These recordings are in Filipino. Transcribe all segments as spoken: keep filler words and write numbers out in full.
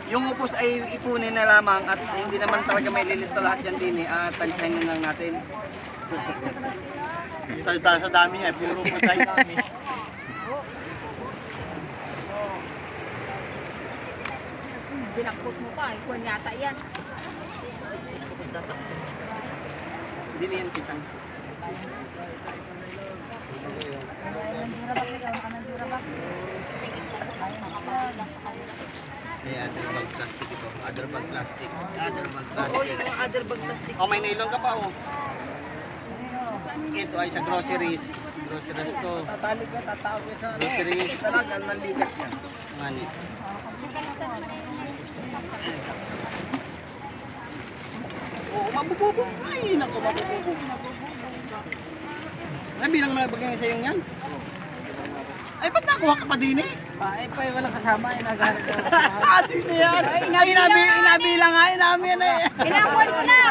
Yung upos ay ipunin na lamang at hindi naman talaga may lilista lahat yan din eh. At tagsahin lang natin. Sa, sa dami niya, puro patay kami. Dinakot mo pa, ikuan yata yan. Hindi na yan pisang. May other bag plastic ito. Other bag plastic. Other bag Oo, plastic. yung mga other bag plastic. Oh, may nylon ka pa oh. Ito ay sa groceries. Groceries to. Tatali ka, tatawag ka sa ano. Groceries. Talaga, nanligas yan. Mani. Oo, mabububog. Ay, naku, mabububog. Ay, bilang malabagay sa yung yan. Ay, ba't nakuha ka pa din eh? Ay, pa, walang kasama, eh, naghanap ko. Ah, di na yan. Ay, inabi, inabilang nga, inabi yan eh. Inakuan ko na!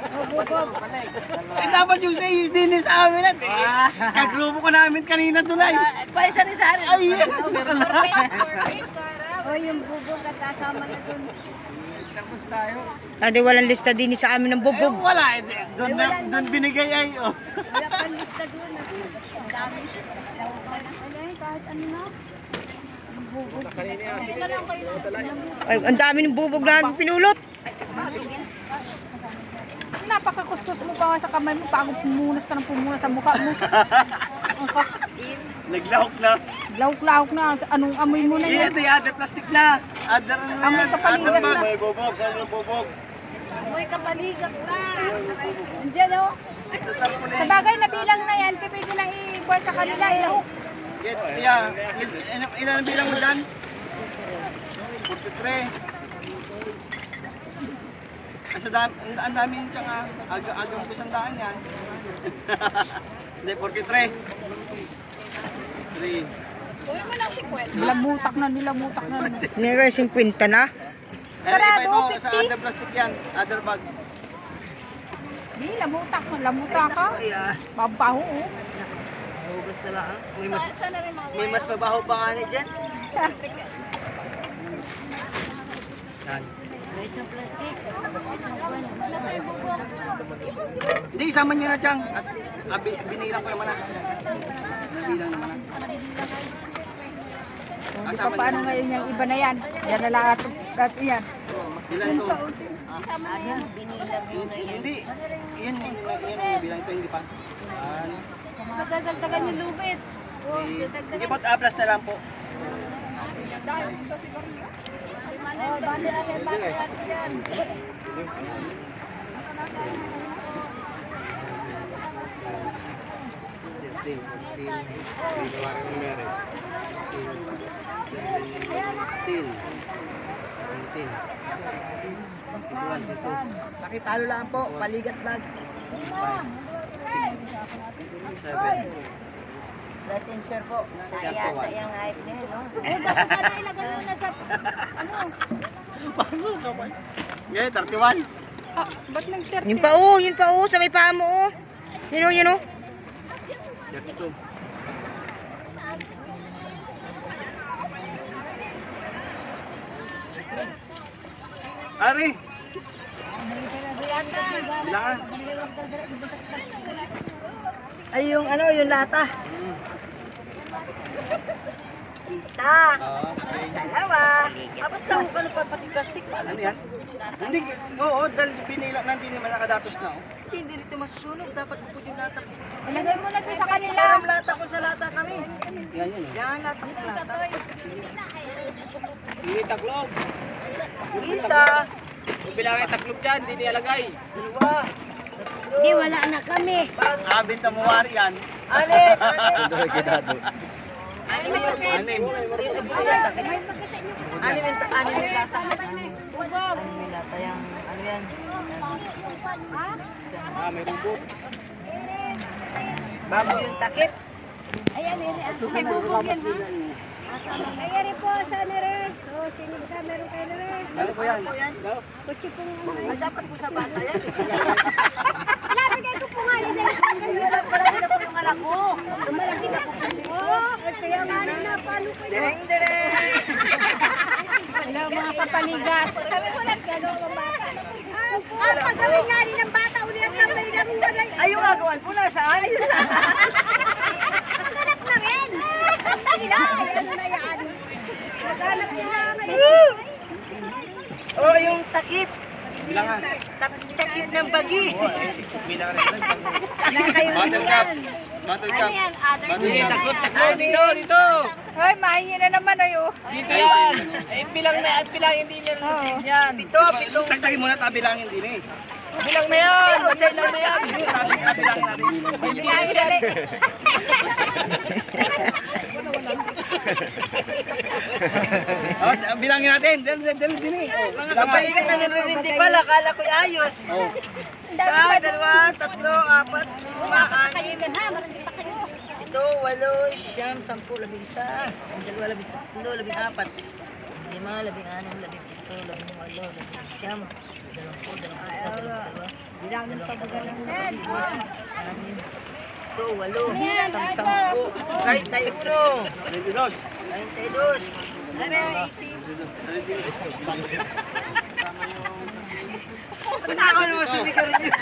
Eh, dapat yung sa din sa amin at eh. Kagrupo ko namin kanina doon ay. Pa, isa rin sa akin. Ay, O yung bubog at kasama na dun. tapos tayo. Adi walang lista din sa amin ng Eh, bubog. wala. eh, Doon na, doon binigay ay. Oh. Wala pang lista dun. Ang dami. Alay, kahit ano na. Ang bubog. Ito lang kayo. Ay, ang dami ng bubog na pinulot. Napakakustos mo pa nga sa kamay mo. Pagod pumunas ka ng pumunas sa mukha mo. Naglahok na. Lauk-lauk na. Anong amoy mo na Yan, yan? ito other plastic na. Other na Amoy yan. kapaligan Other bag. na. May bubog. Saan yung bubog? Amoy kapaligat na. Andiyan o. Ito tarpo na Sa yan. bagay na bilang na yan, pwede na i-buwan sa kanila. Ilahok. Get, yeah. Ilan, ilan ang bilang mo dyan? forty-three. Ay, sa dami, ang, ang dami yung tsaka. Aga, agang po sandaan yan. Hindi, forty-three. three. Uy mo lang si Kwen. Nilamutak na, nilamutak na. Nira fifty na. Pero iba Sarado, ito, sa fifty. other plastic yan. Other bag. Di, lamutak. Lamutak ka. Ay, ah. Babaho oh. Hugas na lang. ah. May mas, Saan na rin mga may mas mabaho pa nga ni dyan. Yan. Hindi, isama nyo na dyan. At abi, binilang ko naman na. Bilang naman na. Hindi pa paano ngayon yung iba na yan. Yan na lang at, at yan. Ilan to? Hindi. Yan, yan yung bilang ito, hindi pa. Ano? Magdadagdagan yung lubid. Oh, Hindi po, aplas na lang po. Oh, banda natin, banda natin yan. fifteen, fourteen, fifteen, seventeen, Nakipalo lang po, paligat lang. seven. Let and share po. Yata yung height na yun, no? Oh, dapat ka na ilagay mo na sa, ano? Pasok ka pa. Ngayon, thirty-one. Ah, ba't nang thirty? Yun pa oh, yun pa oh, sa may paa mo oh. Yun oh, yun oh. thirty-two. Ari! Bilangan. Ay, yung ano, yung lata. Isa. Dalawa. Apat lang kung ano pa pati plastic pa. Ano yan? Hindi, oo, dahil binila na, hindi naman nakadatos na. Oh. Hindi, hindi nito masusunog. Dapat po yung lata. Ilagay mo na doon sa kanila. Parang lata ko sa lata kami. Yan, yan. Oh. Yan, lata ko lata. Hindi taklob. Isa. Kung bilangin taklob dyan, hindi nilalagay. Dalawa. Di, wala na kami. Ah, binta mo wari yan. Anim. Anim. Anim. Anim yung anim yung lata. Bubog. Anim yung lata yung ano yan. Ah, may bubog. Bago yung takip. Ayan, ayan. May bubog yan, ha? Ayan rin po, saan rin? O, sino ka? Meron kayo na rin. Ano po yan? Kutsi pong ano. Ay, dapat po sa bata yan. Nabigay ko po nga ni sa Wala pala na po yung anak ko. malaki na po. Oh, eh, kaya nga rin na, paano kayo? Direng, direng. Hello mga kapaligat. bilangan. Tap- Takip ng bagi. Bilang rin lang. Bottle caps. Bottle Ano caps. yan? Others Bottle yan. caps. Takbo, dito, dito. Ay, mahingi na naman ayo. Dito yan. Ay, bilang na, ay, bilang hindi niya rin yan. Pito, pitong. Tagtagin muna, tabilangin din eh. Bilang na yan. Bansay lang na yan. Tabilangin natin. Bilangin dali. Oh, bilangin natin. Dali, dali, dali din eh. Oh, bilangan. Kapalikat na nirindi pala, kala ko'y ayos. Oh. Isa, dalawa, tatlo, apat, lima, anim, Kayo ha, marami pa kayo. ito, walo, siyam, sampu, labing isa, dalawa, labing tatlo, labing apat, lima, labing anim, labing pito, labing walo, labing siyam, dalawampu, dalawang isa, dalawang dalawa, bilangin pa ba ganun? Anim, ito, walo, isang sampu, treinta y uno, twenty-dos. treinta y dos, Ba't ako naman sumigaw rin yun?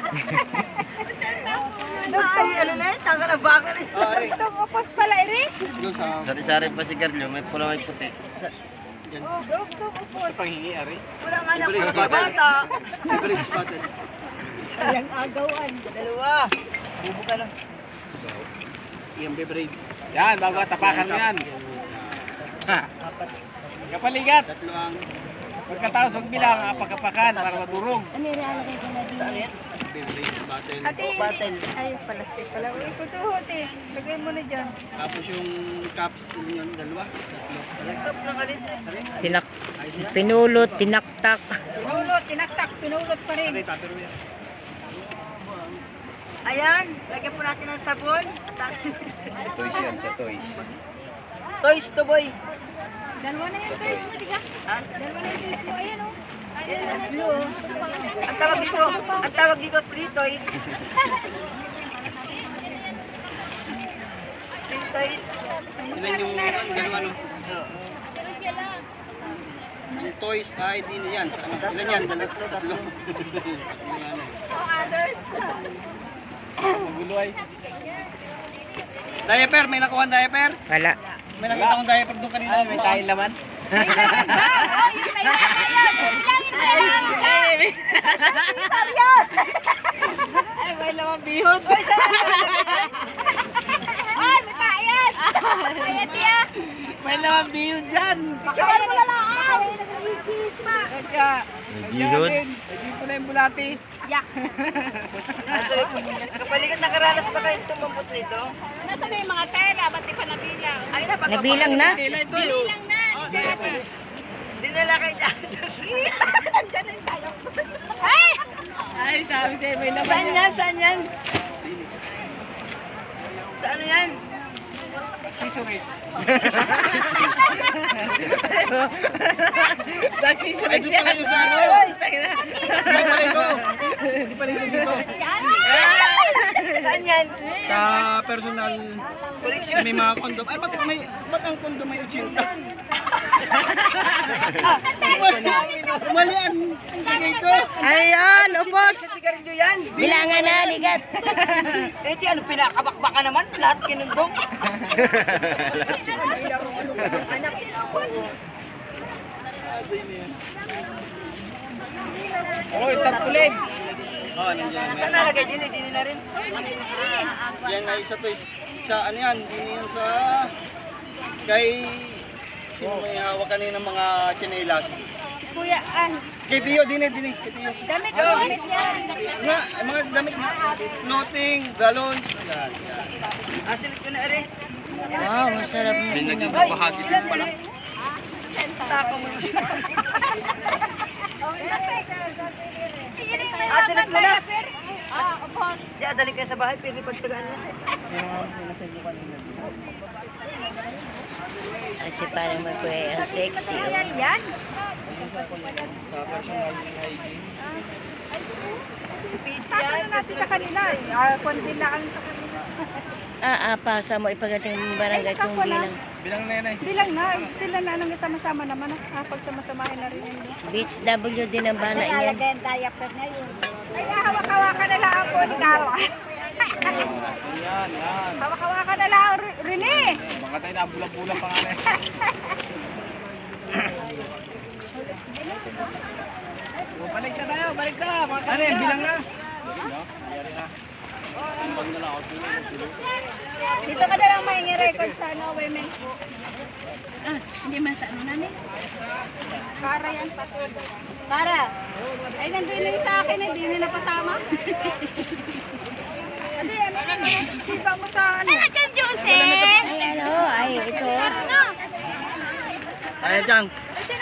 Ay, ano na yun? Tanggal ang baka rin. Oh, Ari. Itong upos pala, Eric. Doon sa... Sari-sari pa si Carlo, may pula may puti. Dugtong upos. Panghingi, Ari. Walang anak ko Beverage sa bottle. bata. Beverage bottle. Sayang agawan. Dalawa. Bubo ka lang. Yung beverage. Yan, bago tapakan mo yan. Ha. Kapaligat. Tatlo ang Pagkatapos magbilang, apakapakan para madurog. Saan yan? beverage bottle. Ate, Bottle. hindi. Ay, plastic pala. Uy, kutuhot eh. Lagay mo na dyan. Tapos yung cups din yun, dalawa. Tatlo. Top ng kalit. Tinak. Pinulot, tinaktak. Pinulot, tinaktak, pinulot pa rin. Ari, tapero yan. Ayan. Lagyan po natin ng sabon. Toys yan, sa toys. Toys to boy. Dalawa na yung toys mo, di ka? Ha? Dalawa na yung toys mo, ayan o. Blue. Ang tawag dito, ang tawag dito free toys. Free toys. Ilan yung dalawa no? Yung toys ay din yan. Sa ano? Ilan yan? Dalawa. Tatlo, tatlo. Tatlo yan eh. Others. Magulo ay. Diaper, may nakuha ang diaper? Wala. May nakita akong diaper doon kanina. Ay, may tayo laman. May laman ba? Oh, yung may laman yan. Bilangin mo na lang isa. Ay, may laman bihod. Ay, may payat. Payat yan. May laman bihod dyan. Picturean mo na lang. Ay, nag-iigis pa. Kaya, bihod. Hindi po na yung bulati. Yak. Kapalikat nakaranas pa kayo tumambot nito? Nasaan na yung mga tela? Ba't di pa nabilang? Ay na, pag Nabilang na. Tila ito yun. Bilang na. Dati. dinala kayo dyan. Nandiyan na tayo. Ay! Ay, sabi sa'yo, may laman Saan yan? Saan yan? Sa ano yan? Accessories. Sa Ay, accessories doon yan. pala yung sa ano. Ay, tayo na. Hindi pala ito. Hindi pala ito dito. Yan. Saan yan? Sa personal, Collection. may mga kondom. Ay, ba't, may, ba't ang kondom may eighty? Malian. Ang tagay ko. Ayan, upos. Sa sigarilyo yan. Bilangan na, ligat. Eh, di ano, pinakabakbaka naman. Lahat kinundong. Anak sinukot. Oh, tarpulin. Oh, nandiyan. Saan nalagay din? Eh, din na rin. Yan ay isa to. Sa ano yan? Hindi yan sa... Kay... Sino may hawak kanina ng mga tsinelas? Kuya, ah, Kay Tio, dine, dine. Kay Tio. damit mo, damit yan. Nga, ay, mga damit na. Floating, galons. Yan, yan. Asilit ko na rin. Wow, masarap na. Hindi naging babahagi din pala. Tako mo. Ah, Asilit mo na. Ah, upos. Di, adali kayo sa bahay. Pwede pagtagaan na. Kasi parang magkuhay ang sexy. Ayan, yan. Sa personal hygiene. Saka na natin sa kanila. Ah, kundi na ang sa kanila. Ah, ah, pasa mo ipagating ng barangay kung bilang. Bilang na yan ay. Bilang na, sila na nang sama-sama naman. Ah, pagsama-samahin na rin yun. Beach W din ang bana niyan. ang diaper na yun. Ay, hawak-hawakan na lang ako ni Carla. Yan, yan. Hawak-hawakan na lang, Rene. Mga tayo na bulang-bulang pa nga na eh. O, balik. balik na tayo, balik na. Mga Ano yan, bilang na? Dito ka na lang may record sa ano, women. Ah, hindi man sa ano namin. Para yan, patuloy. Para. Ay, nandun na yung sa akin, hindi na napasama. Ate, ano yan? Iba mo sa ano? Ano dyan, Jose? Ay, ano, ay, ito. Ayan, Chang.